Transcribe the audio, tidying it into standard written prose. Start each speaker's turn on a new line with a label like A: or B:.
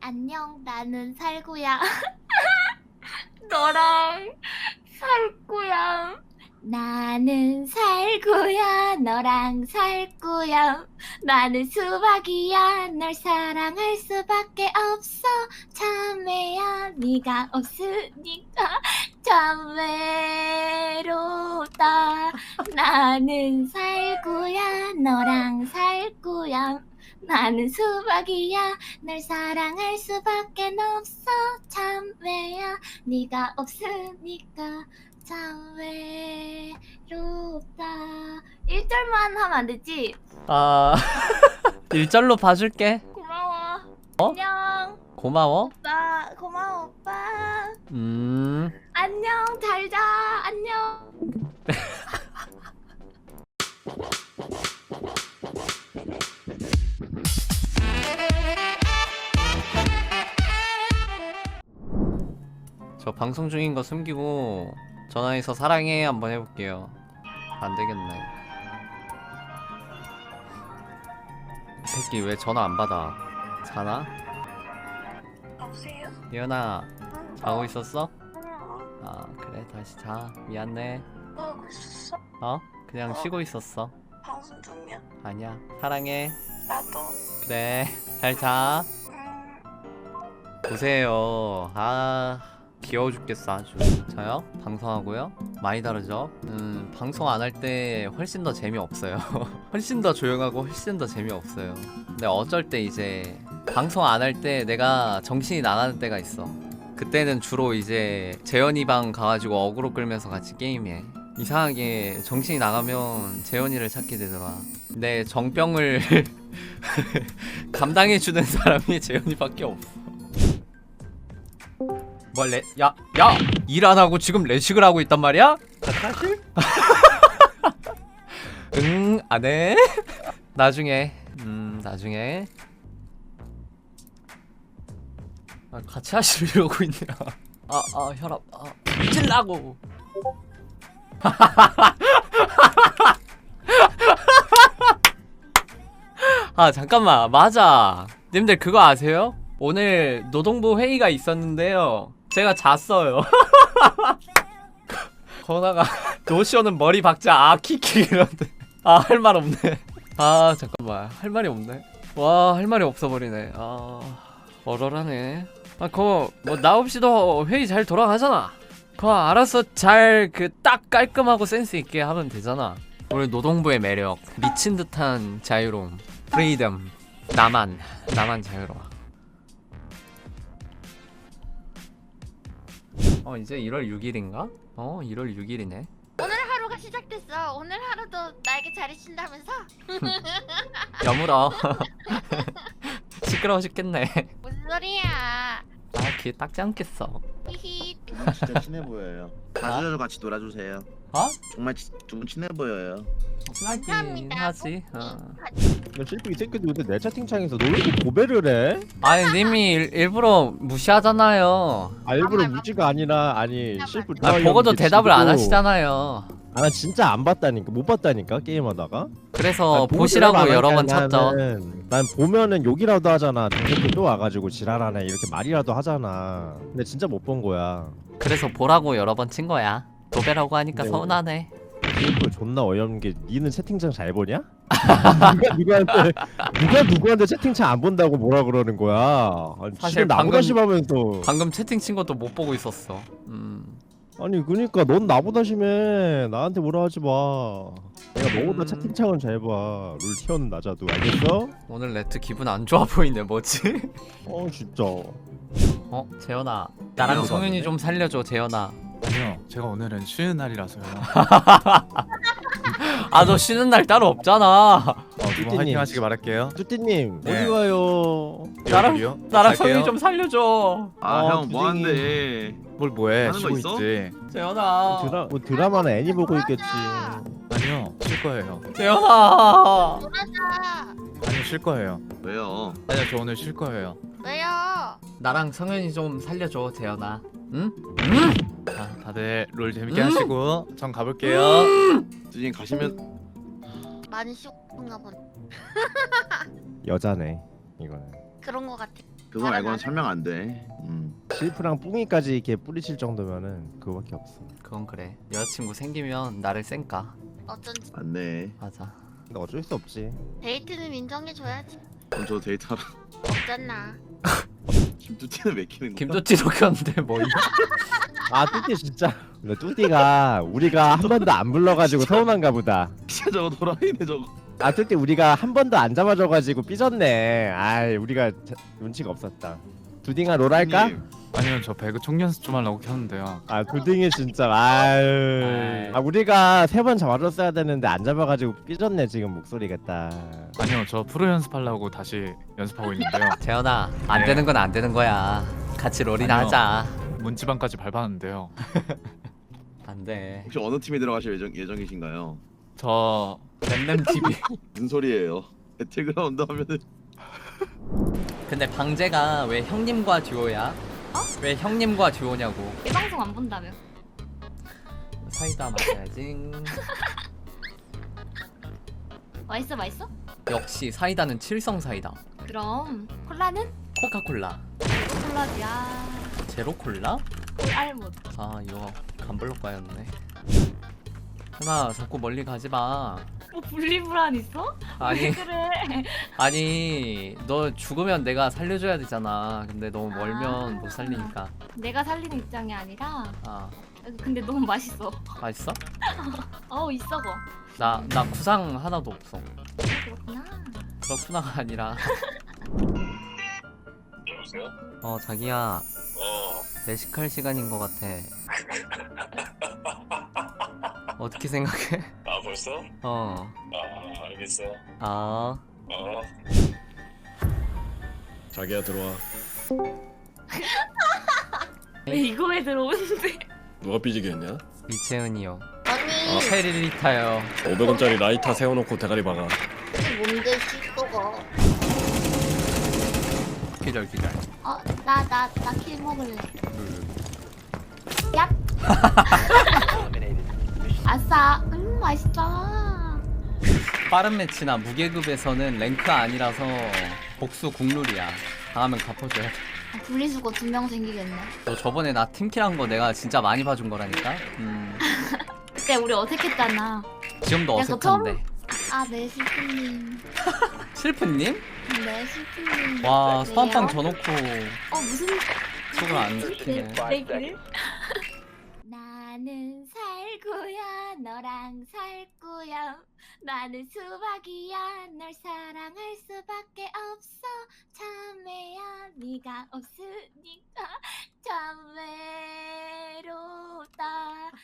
A: 안녕, 나는 살구야. 너랑 살 거야. 나는 살구야, 너랑 살 거야. 나는 수박이야, 널 사랑할 수밖에 없어. 참외야, 네가 없으니까 참 외롭다. 나는 살구야, 너랑 살 거야. 나는 수박이야, 널 사랑할 수밖에 없어. 참외야, 네가 없으니까 참 외롭다. 1절만 하면 안 되지?
B: 아 1절로 봐줄게.
A: 고마워.
B: 어?
A: 안녕
B: 고마워.
A: 오빠. 고마워 오빠. 안녕, 잘자. 안녕.
B: 저 방송 중인 거 숨기고 전화해서 사랑해 한번 해볼게요. 안 되겠네. 이 새끼 왜 전화 안 받아? 자나?
C: 여보세요?
B: 예연아, 자고 있었어?
C: 응.
B: 아 그래, 다시 자. 미안해.
C: 뭐 하고 있었어?
B: 그냥 쉬고 있었어.
C: 방송 중이야?
B: 아니야, 사랑해.
C: 나도.
B: 그래, 잘 자.
C: 응.
B: 보세요. 귀여워 죽겠어 아주. 저요? 방송하고요? 많이 다르죠? 방송 안 할 때 훨씬 더 재미없어요. 훨씬 더 조용하고 훨씬 더 재미없어요. 근데 어쩔 때 이제 방송 안 할 때 내가 정신이 나가는 때가 있어. 그때는 주로 이제 재현이 방 가가지고 어그로 끌면서 같이 게임해. 이상하게 정신이 나가면 재현이를 찾게 되더라. 내 정병을 감당해주는 사람이 재현이밖에 없어. 야! 일 안 하고 지금 레식을 하고 있단 말이야? 사실? 응, 안 해. 나중에. 나중에. 같이 하시려고 있냐? 혈압. 찔라고. 잠깐만. 맞아. 님들 그거 아세요? 오늘 노동부 회의가 있었는데요. 제가 잤어요. 거나가 노쇼는 머리 박자 키키 이런데 할 말 없네. 잠깐만, 할 말이 없네. 와, 할 말이 없어버리네. 얼얼하네. 그거 뭐 나 없이도 회의 잘 돌아가잖아. 그거 알아서 잘 딱 깔끔하고 센스 있게 하면 되잖아. 오늘 노동부의 매력, 미친 듯한 자유로움, 프리덤. 나만 자유로워. 이제 1월 6일인가? 1월 6일이네.
A: 오늘 하루가 시작됐어. 오늘 하루도 나에게 잘해준다면서?
B: 여물어. 시끄러워 죽겠네.
A: 무슨 소리야?
B: 귀에 닦지 않겠어.
A: 히히.
D: 두 분 진짜 친해 보여요. 가족들 같이 놀아주세요. 정말 두 분 친해 보여요.
B: 친하긴
A: 감사합니다.
B: 하지.
E: 너 실프 이 새끼도 근데 내 채팅창에서 너 왜 이렇게 고배를 해?
B: 아니 님이 일부러 무시하잖아요.
E: 일부러 무지가 아니라 아니 실프
B: 보고도 대답을 안 하시잖아요.
E: 나 진짜 안 봤다니까. 못 봤다니까 게임하다가.
B: 그래서
E: 보고
B: 보시라고
E: 대답 안
B: 여러 번
E: 하니까
B: 쳤죠.
E: 난 보면은 욕이라도 하잖아. 새끼 또 와가지고 지랄하네 이렇게 말이라도 하잖아. 근데 진짜 못 본 거야.
B: 그래서 보라고 여러 번 친 거야. 도배라고 하니까
E: 네.
B: 서운하네.
E: 실프 존나 어이없는 게 니는 채팅창 잘 보냐? 누가 누구한테 채팅창 안 본다고 뭐라 그러는 거야? 아니,
B: 사실
E: 지금 나보다
B: 방금-
E: 심하면서.
B: 방금 채팅 친 것도 못 보고 있었어.
E: 아니 그니까 넌 나보다 심해. 나한테 뭐라 하지 마. 내가 너보다 채팅창은 잘 봐. 룰 티어는 낮아도 알겠어?
B: 오늘 레트 기분 안 좋아 보이네. 뭐지?
E: 진짜.
B: 재현아, 나랑
F: 네,
B: 성윤이
F: 맞는데?
B: 좀 살려줘. 재현아.
F: 아니요, 제가 오늘은 쉬는 날이라서요.
B: 너 쉬는 날 따로 없잖아.
F: 두 분
E: 뚜띠님.
F: 화이팅 하시길 바랄게요.
E: 뚜띠님
F: 네.
E: 어디 가요?
F: 여기요?
B: 나랑
F: 갈게요.
B: 성윤이 좀 살려줘.
D: 형
E: 부딩이.
D: 뭐하는데?
F: 뭘 뭐해?
D: 하는 거
F: 쉬고
D: 있어?
F: 있지.
B: 재현아.
E: 드라마는 애니 보고 있겠지.
F: 아니요, 쉴 거예요.
B: 재현아.
A: 놀아자.
F: 아니요, 쉴 거예요.
D: 왜요?
F: 아니요, 저 오늘 쉴 거예요.
A: 왜요?
B: 나랑 성윤이 좀 살려줘. 재현아. 응?
F: 다들 롤 재밌게 하시고 전 가볼게요.
D: 주인 가시면
A: 많이 쉬고픈가 보네.
E: 여자네 이거는.
A: 그런 거 같아.
D: 그거 말고는 설명 안 돼.
E: 실프랑 뿡이까지 이렇게 뿌리칠 정도면은 그거밖에 없어.
B: 그건 그래. 여자친구 생기면 나를 쌩까.
A: 어쩐지
D: 맞네.
B: 맞아.
E: 근데 어쩔 수 없지.
A: 데이트는 인정해줘야지.
D: 그럼 저 데이트하러
A: 없잖아.
D: 김두티는 왜 키는 거야?
B: 김조찌도 켰는데 뭐.
E: 아 뚜띠 진짜. 근데 뚜띠가 우리가 한 번도 안 불러가지고 서운한가 보다.
D: 진짜 저거 돌아이네 저거.
E: 아 뚜띠 우리가 한 번도 안 잡아줘가지고 삐졌네. 아이 우리가 눈치가 없었다. 두딩아 롤 할까?
D: 형님,
F: 아니요 저 배그 총 연습 좀 하려고 켰는데요.
E: 아 두딩이 진짜 아유. 아 우리가 3번 잡아줬어야 되는데 안 잡아가지고 삐졌네 지금 목소리가 딱.
F: 아니요 저 프로 연습하려고 다시 연습하고 있는데요.
B: 재현아, 안
F: 네.
B: 되는 건 안 되는 거야. 같이 롤이나
F: 아니요.
B: 하자.
F: 문지방까지 밟았는데요.
B: 안 돼.
D: 혹시 어느 팀에 들어가실 예정이신가요?
F: 저
B: 램램 TV.
D: 무슨 소리예요? 배틀그라운드 하면은
B: 근데 방제가 왜 형님과 듀오야? 왜 형님과 듀오냐고.
A: 이 방송 안 본다며.
B: 사이다 마셔야지.
A: 맛있어 맛있어?
B: 역시 사이다는 칠성 사이다.
A: 그럼 콜라는?
B: 코카콜라.
A: 콜라지야.
B: 제로 콜라?
A: 알못.
B: 아 이거 감블록과였네. 하나 자꾸 멀리 가지 마.
A: 뭐 분리불안 있어?
B: 아니
A: 그래.
B: 아니 너 죽으면 내가 살려줘야 되잖아. 근데 너무 멀면 못 살리니까.
A: 내가 살리는 입장이 아니라.
B: 아
A: 근데 너무 맛있어.
B: 맛있어?
A: 있어 거.
B: 나 구상 하나도 없어.
A: 그렇구나.
B: 그렇구나가 아니라.
G: 여보세요?
B: 자기야 내식할 시간인 것 같아. 어떻게 생각해?
G: 아 벌써? 아 알겠어.
B: 아
G: 자기야 들어와.
A: 왜 이거에 들어오는데?
G: 누가 삐지게 했냐?
B: 이채은이요.
A: 아니
B: 페리리타요.
G: 500원짜리 라이터 세워놓고 대가리 박아.
A: 뭔데 시꺼가?
B: 기절.
A: 나 킬 먹을래. 야. 아싸. 맛있다.
B: 빠른 매치나 무계급에서는 랭크 아니라서 복수 국룰이야. 당하면 갚아줘야 돼.
A: 분리수거 2명 생기겠네.
B: 너 저번에 나 팀킬한 거 내가 진짜 많이 봐준 거라니까.
A: 그때 우리 어색했잖아.
B: 지금도
A: 야, 그거
B: 어색한데.
A: 네 실프님.
B: 실프님?
A: 네 실프님.
B: 와 소환빵
A: 왜요?
B: 줘놓고
A: 무슨
B: 속을 안 지키네.
A: 내길? 나는 살구야 너랑 살 거야. 나는 수박이야 널 사랑할 수밖에 없어. 참외야 네가 없으니까.